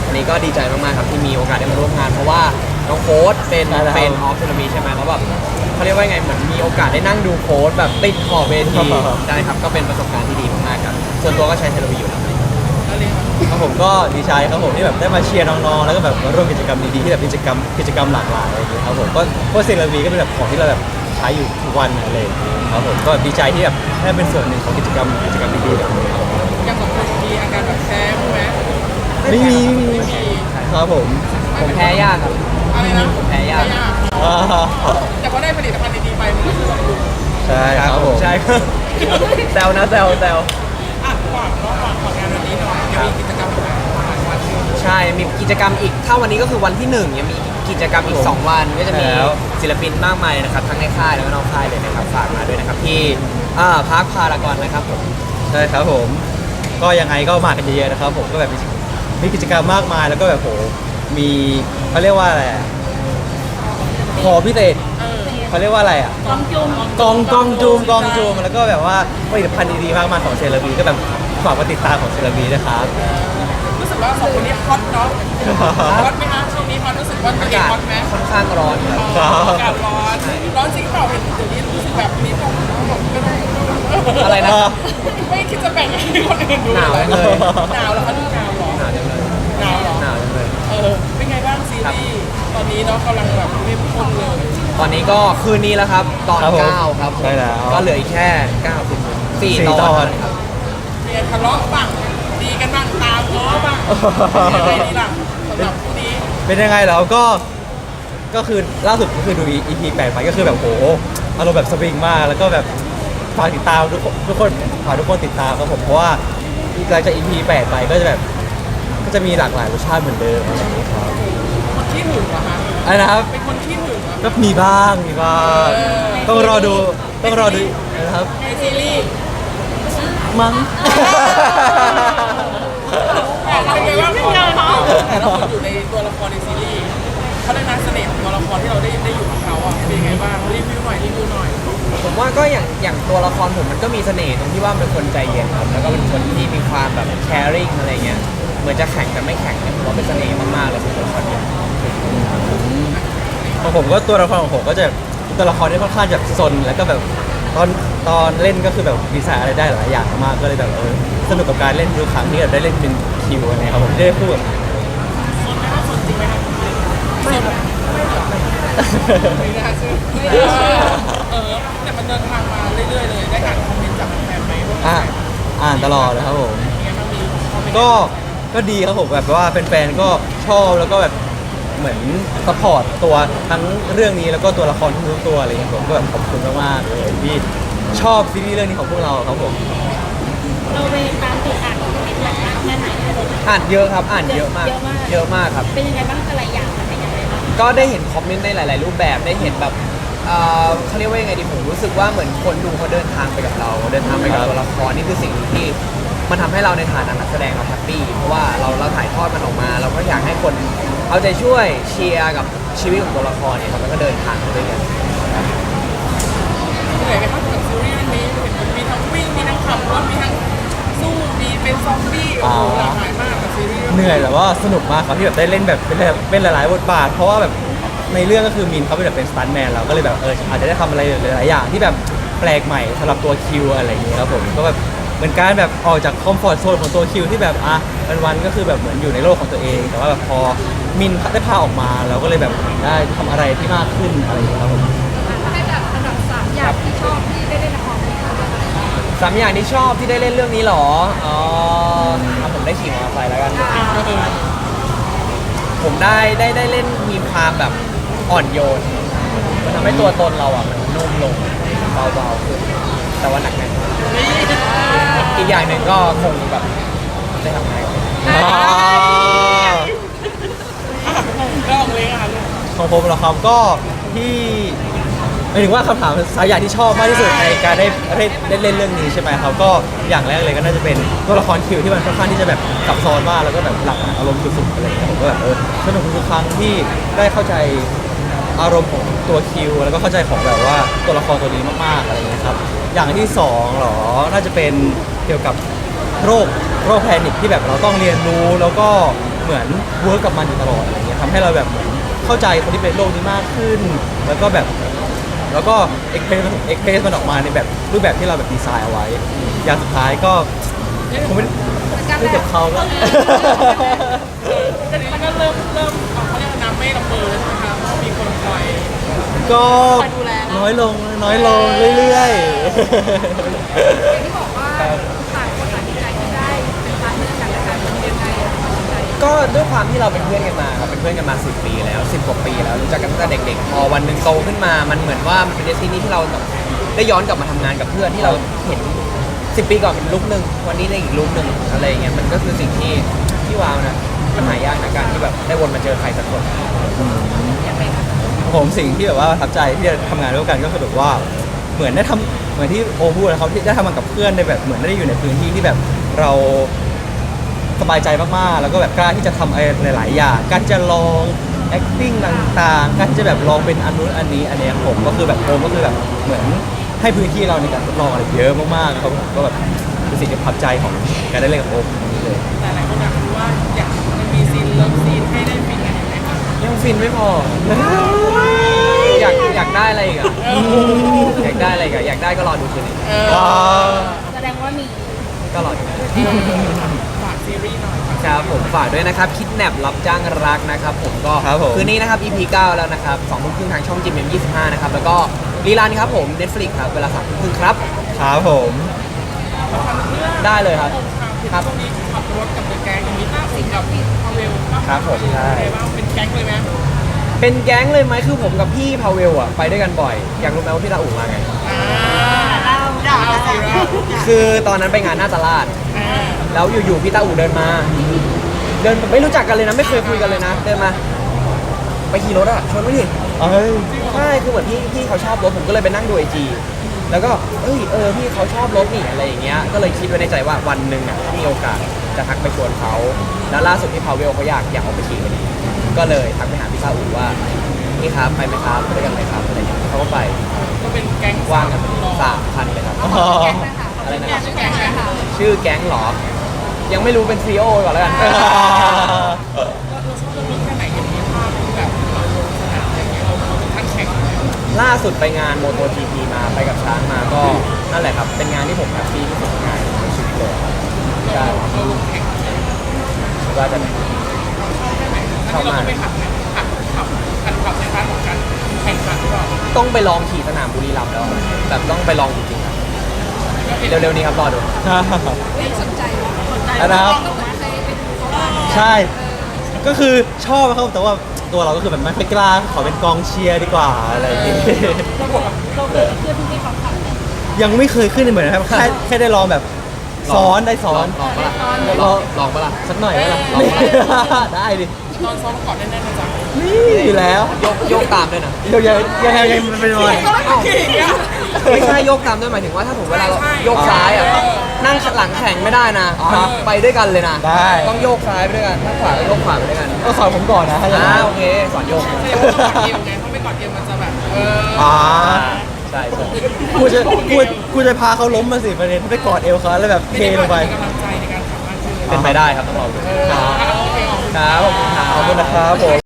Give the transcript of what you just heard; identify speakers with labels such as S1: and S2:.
S1: วันนี้ก็ดีใจมากๆครับที่มีโอกาสได้มาร่วมงานเพราะว่าน้องโค้ดเป็นเฟนออฟเซรามิใช่ไหมแล้วแบบเขาเรียกว่าไงเหมือนมีโอกาสได้นั่งดูโค้ดแบบติดขอบเวทีใช่ครับก็เป็นประสบการณ์ที่ดีมากๆครับส่วนตัวก็ใช้เซรามิอยู่แล้ว
S2: ครับผมก็ดีใจครับผมที่แบบได้มาเชียร์น้องๆแล้วก็แบบมาร่วมกิจกรรมดีๆที่แบบกิจกรรมหลากหลายอะไรอย่างเงี้ยครับผมก็เพราะเซรามิก็เป็นแบบของที่เราแบบใช้อยู่ทุกวันอะไรอย่างเงี้ยครับผมก็ดีใจที่แบบได้เป็นส่วนหนึ่งของกิจกรรมดีๆแบบนี้ครับ
S3: ยังของคนมีอาการแบบแพ้ไหม
S2: ไม่มีครับผม
S1: ผมแพ้ยากครับ
S3: อะไรนะ
S1: ผมแพ้ยาก
S2: อ่า
S3: แต่พอได้ผลิตภัณฑ์ดีๆไปมันก็คือแบบดู
S2: ใช่ครับผม
S1: ใช่ครับแซวนะแซว
S3: อ่ะก่อนงานวันนี้หน่อยจะมีกิจกรรมอะไรวัน
S1: ใช่มีกิจกรรมอีกถ้าวันนี้ก็คือวันที่1ยังมีกิจกรรมอีก2วันก็จะมีศิลปินมากมายนะครับทั้งในค่ายแล้วก็นอกค่ายเลยนะครับฝากมาด้วยนะครับที่พาร์คพารากอนนะครับผม
S2: ใช่ครับผมก็ยังไงก็มากันเยอะๆนะครับผมก็แบบมีกิจกรรมมากมายแล้วก็แบบโหมีเขาเรียกว่าอะไรอะขอพิเศษเขาเรียกว่าอะไรอ่ะกองจูมแล้วก็แบบว่าผลิตภัณฑ์ดีๆมากมายของเซรามีก็แบบฝากมาติดตามของเซรามีนะครับ
S3: รู้สึกว่าสองคนนี้ฮอตเนาะฮอตไหมคะช่วงนี้ฮอตรู้สึกว่าตัวเองฮอตไหม
S1: ค่อนข้างร้อนครับ
S3: อากาศร้อนจริงเปล่าเห็นเดี๋ยวนี้รู้สึกแบบมีผมก็ได้
S1: อะไรนะ
S3: ไม่คิดจะแบ่งให้คนอื่นดู
S1: หนาวจังเลย
S3: หนาวแล้วคะดูหนาวหรอ
S1: หนาวจังเลย
S3: หนาวหรอ
S1: หนาวจังเลย
S3: เป็นไงบ้างซีรีส์ตอนนี้เนาะกำลังแบบเข้มข้นเลย
S1: ตอนนี้ก็คืนนี้แล้วครับตอน
S2: ครับผม
S1: 9ครับผม
S2: ใช่แล้ว
S1: ก็เหลืออีกแค่9 4 ตอนครับ
S3: เรียนทะเลาะบ้างดีกันบ้างตามง้อบ้างยังไงดีล่ะสำหรับคู่นี้
S2: เป็นยังไงแล้วก็คือล่าสุดก็คือดู EP 8ไปก็คือแบบโหอารมณ์แบบสวิงมากแล้วก็แบบฝากติดตามทุกคนฝากทุกคนติดตามครับผมเพราะว่าหลังจาก EP 8ไปก็จะแบบก็จะมีหลากหลายรสชาติเหมือนเดิมอะไรอย่างนี้ครับ
S3: คนที่หึงเหรอคะ
S2: อะไรนะครับ
S3: เป็นคนที่หึงเหรอ
S2: ก็มีบ้างต้องรอดูนะครับ
S3: ในซีรีส์
S2: มั้ง
S3: เป็นไงบ้างแต่เราอยู่ในตัวละครในซีรีส์เขาได้นักเสน่ห์ของตัวละครที่เราได้อยู่กับเขาอ่ะเป็นยังไงบ้างรีวิวหน่อย
S1: ผมว่าก็อย่างตัวละครผมมันก็มีเสน่ห์ตรงที่ว่าเป็นคนใจเย็นครับแล้วก็เป็นคนที่มีความแบบแคริ่งอะไรเงี้ยเหมือนจะแข่งแต่ไม่แข่งเนี่ยผมว่าเป็นเสน่ห์มากๆเลยของตัวละครนี้
S2: ของผมก็ตัวละครของผมก็จะตัวละครที่ค่อนข้างจะซนแล้วก็แบบตอนเล่นก็คือแบบดีไซน์อะไรได้หลายอย่างมากก็เลยแบบสนุกกับการเล่นทุกครั้งที่แบบได้เล่นเป็นคิวอะไรครับผมได้พูด
S1: ไม่ครับ
S3: ไม่น่าเชื่อแต่มันเดินทางมาเรื่อยๆเลยได้อ่านคอมเมนต์จากแฟนไหมว่า
S2: อ่านตลอดเลยครับผม
S3: เป็นไงบ้างมีคอมเมนต์
S2: ก็ดีครับผมแบบว่าแฟนๆก็ชอบแล้วก็แบบเหมือนสปอร์ตตัวทั้งเรื่องนี้แล้วก็ตัวละครทุกตัวอะไรอย่างเงี้ยผมก็แบบขอบคุณมากๆเลยที่ชอบซีรีส์เรื่องนี้ของพวกเราครับผม
S4: เราไปตามติดอ่านคอมเมนต์แบบแค่ไหนอะไรแบบ
S1: อ่านเยอะครับอ่านเยอะมากเยอะมากครับ
S4: เป็นยังไงบ้างแต่ละอย่างมันเป็นยังไงบ้าง
S1: ก็ได้เห็นคอมเมนต์ในหลาย ๆ รูปแบบได้เห็นแบบเขาเรียกว่ายังไงดีผมรู้สึกว่าเหมือนคนดูเขาเดินทางไปกับเรา เดินทางไปกับตัวละครนี่คือสิ่งที่มันทำให้เราในฐานะนักแสดงเราแฮปปี้เพราะว่าเราถ่ายทอดมันออกมา เราก็อยากให้คนเอาใจช่วยเชียร์กับชีวิตของตัวละครเนี่ยครับแล้วก็เดินทางไปด้วยกัน
S3: เหนื่อยไหมครับกับซีรีส์เรื่องนี้มีทั้งวิ่งมีทั้งขับรถมีทั้งสู้มีเป็นซอมบี้โอ้โหหลากหลายมากกับซีรีส์
S2: เหนื่อยแต่ว่าสนุกมากครับที่แบบได้เล่นแบบเป็นหลายๆบทบาทเพราะว่าแบบในเรื่องก็คือมินเขาเป็นแบบเป็นสตันท์แมนเราก็เลยแบบอาจจะได้ทำอะไรหลายๆอย่างที่แบบแปลกใหม่สำหรับตัวคิวอะไรอย่างเงี้ยครับผมก็แบบเหมือนการแบบออกจากคอมฟอร์ทโซนของตัวคิวที่แบบวันๆก็คือแบบเหมือนอยู่ในโลกของตัวเอง แต่ว่าแบบพอมินได้พาออกมาเราก็เลยแบบได้ทำอะไรที่มากขึ้นอะไรอย่างเงี้ยครับผม
S4: ให้แบบอันดับ3อย่างที่ชอบที่ได้เล่นละครนี้ค่ะ
S1: สามอย่างที่ชอบที่ได้เล่นเรื่องนี้เหรอผมได้ขี่มอเตอร์ไซค์แล้วกัน ผมได้เล่นมีความแบบอ่อนโยน มันทำให้ตัวตนเราอ่ะมันนุ่มลงเบาๆขึ้นแต่ว่าหนักแน่นอีกอย่างหนึ่งก็คงแบบได้ทำงาน
S3: ก็ออกเลยค่ะลูก
S2: ของผมเหรอครับก็ที่หมายถึงว่าคำถามสายอย่างที่ชอบมากที่สุดในการได้เล่นเรื่องนี้ใช่ไหมครับก็อย่างแรกเลยก็น่าจะเป็นตัวละครคิวที่มันค่อนข้างที่จะแบบซับซ้อนมากแล้วก็แบบหลากหลายอารมณ์สุดๆอะไรอย่างเงี้ยผมก็แบบสนุกทุกครั้งที่ได้เข้าใจอารมณ์ของตัวคิวแล้วก็เข้าใจของแบบว่าตัวละครตัวนี้มากๆอะไรอย่างเงี้ยครับอย่างที่สองเหรอน่าจะเป็นเกี่ยวกับโรคแพนิคที่แบบเราต้องเรียนรู้แล้วก็เหมือนเวิร์กกับมันอยู่ตลอดอะไรเงี้ยทำให้เราแบบเหมือนเข้าใจคนที่เป็นโรคนี้มากขึ้น แล้วก็แบบแล้วก็เอ็กเพรสมันออกมาในแบบรูปแบบที่เราแบบดีไซน์เอาไว้ อย่างสุดท้ายก็ผมไม่เจ็บเขาแล้ว
S3: แต่นี้ก็เริ่มเขาเรียกว่าน้ำไม่ระเบิดนะคะเพราะมีคนคอย
S2: ก็น้อยลงเรื่อยๆ
S4: อย่างที่บอกว่าต่างคนต่างดีใจที่ได้เป็นพาร์ทเนอร์กันและกันเป็นยังไงอะใจ
S1: ก็ด้วยความที่เราเป็นเพื่อนกันมาครับเป็นเพื่อนกันมา10 ปีแล้ว10 กว่าปีแล้วรู้จักกันตั้งแต่เด็กๆพอวันหนึ่งโตขึ้นมามันเหมือนว่ามันเป็นเดสตินีที่เราแบบได้ย้อนกลับมาทำงานกับเพื่อนที่เราเห็น10 ปีก่อนเป็นลุคหนึ่งวันนี้ในอีกลุคหนึ่งอะไรอย่างเงี้ยมันก็คือสิ่งที่ว้าวนะมันหายากนะการที่แบบได้วนมาเจอใครสักคน
S2: ผมสิ่งที่แบบว่าประทับใจที่ได้ทำงานร่วมกันก็คือแบบว่าเหมือนได้ทำเหมือนที่โอพูดนะครับที่ได้ทำงานกับเพื่อนในแบบเหมือนได้อยู่ในพื้นที่ที่แบบเราสบายใจมากๆแล้วก็แบบกล้าที่จะทำอะไรหลายๆอย่างกล้าที่จะลอง acting ต่างๆกล้าที่จะแบบลองเป็นอันนู้นอันนี้อันเนี้ยผมก็คือแบบโอมก็คือแบบเหมือนให้พื้นที่เราในการทดลองอะไรเยอะมากๆครับผมก็แบบเป็นสิ่งที่ประทับใจของการได้เล่นกับโอมนี่เลย
S3: แต่หลายคนอยากรู้ว่าอยากจะมีซีนเลิฟซีนให้ได้ฟินกันไหมคะ
S1: ยังฟินไม่พอ อยากได้อะไรอีกอะอยากได้อะไรอีกอะอยากได้ก็รอดูคืนนี้
S4: แสดงว่ามี
S1: ก็รอดู
S3: ฝากซีรีส์หน่อยค่ะ
S1: ครับผมฝากด้วยนะครับคิดแนบรับจ้างรักนะครับผมก็
S2: ครับผม
S1: คืนนี้นะครับ EP 9 แล้วนะครับ2 ทุ่มครึ่งทางช่อง GMM25 นะครับแล้วก็รีลันครับผม Netflix ครับเวลา3 ทุ่มครึ่งครับ
S2: ครับผม
S1: ได้เลยครับ ครับ
S3: ช่วงนี้ขับรถกับเดอะแก๊งมีต้าสิงกับพาเวลก็
S1: ครับผมใช่
S3: เป็นไงบ้างเป็นแก๊งเลยไหม
S1: เป็นแก๊งเลยไหมคือผมกับพี่พาเวลอะไปด้วยกันบ่อย อยากรู้ไหมว่าพี่ตาอู่มาไง
S3: เราสิเรา
S1: คือตอนนั้นไปงานหน้าตลาด แล้วอยู่ๆพี่ตาอู่เดินมา เดินไม่รู้จักกันเลยนะไม่เคยคุยกันเลยนะ เดินมา ไปขี่รถอะชวนไม่ดิ
S2: เอ้ย
S1: ใช่คือเหมือนพี่เขาชอบรถผมก็เลยไปนั่งดูไอจีแล้วก็พี่เขาชอบรถนี่อะไรอย่างเงี้ยก็เลยคิดไว้ในใจว่าวันหนึ่งอ่ะถ้ามีโอกาสจะทักไปชวนเขาแล้วล่าสุดพี่พาเวลเขาอยากออกไปขี่พอดีก็เลยทักไปหาพี่ซาอูว่านี่ครับไปไหมครับไปด้วยกันไหมครับอะไรอย่างเงี้ยเขาก็ไป
S3: ก็เป็นแก๊ง
S1: ว่างกันพอดี3 คันเลยครับ
S2: อ๋อ
S1: อะไรนะครับ
S3: แก๊งนะคะ
S1: ชื่อแก๊งเหรอ ยังไม่รู้เป็นซีโอก่อนแล้วกัน
S3: เราชอบรถแค่ไหนอย่างนี้ภาพที่แบบเราลงสนามอย่างเงี้ยเราเป็นท่านแข่ง
S1: ล่าสุดไปงาน MotoGP มาไปกับช้างมาก็นั่นแหละครับเป็นงานที่ผมแฮปปี้ที่สุดงานในชีวิตเลยครับใช่
S3: เราลงแข่ง
S1: ว่าจะ
S3: ชอบมากเราไปหัดไหมหัดขับในพาร์ทของการแข่งขันหรือเปล่า
S1: ต้องไปลองขี่สนามบุรีรัมย์แล้วแบบต้องไปลองจริงๆครับเร็วๆนี้ครับรอดู
S4: ไม่สนใจว่าสนใจ
S2: นะครับ
S4: ก็เหมือนเคยไปดูเขาบ้าง
S2: ใช่ ก็คือชอบครับแต่ว่าตัวเราก็คือแบบไม่ค่อยกล้าขอเป็นกองเชียร์ดีกว่าอะไรอย่างงี้
S4: เราเคยเพื่อนที่เขาขับ
S2: ยังไม่เคยขึ้นเหมือนนะครับแค่ได้ลองแบบซ้อนได้ซ้อน
S1: ลองปะล่ะ
S2: ลอง
S1: ลองปะล่ะ
S2: สักหน่อยไหมล่ะ
S1: ลองไหม
S2: ได้ดิ
S3: ตอนซ้อมก่อนแน่ๆนะจ๊ะ
S2: นี่อยู่แล้ว
S1: โยกตามด้วยนะ
S2: เดี๋ยวยังไงมันเป็นวัน
S1: ไม่ใช่โยกตามด้วยหมายถึงว่าถ้าผมเวลาเราโยกซ้ายอ่ะนั่งหลังแข่งไม่ได้นะไปด้วยกันเลยนะ
S2: ได้
S1: ต้องโยกซ้ายไปด้วยกันถ้าขวาก็โยกขวาไปด้วยกัน
S2: ก็สอนผมก่อนนะถ้าอย่างนั้น
S1: โอเคสอนโยก
S3: แสดงว่าต้องกอดเอวไงเพราะไม่กอดเอวมันจะแบบ
S2: อ่า
S1: ใช่ใช่
S2: กูจะพาเขาล้มมาสิประเด็นไปกอดเอวเขาแล้วแบบเทลงไป
S3: มีกำลังใจในการขับมากขึ้นเลย
S1: เป็นไปได้ครับต้องลองดู
S3: โอเค
S1: ครับขอบคุณครับ
S2: ขอบคุณนะครับผม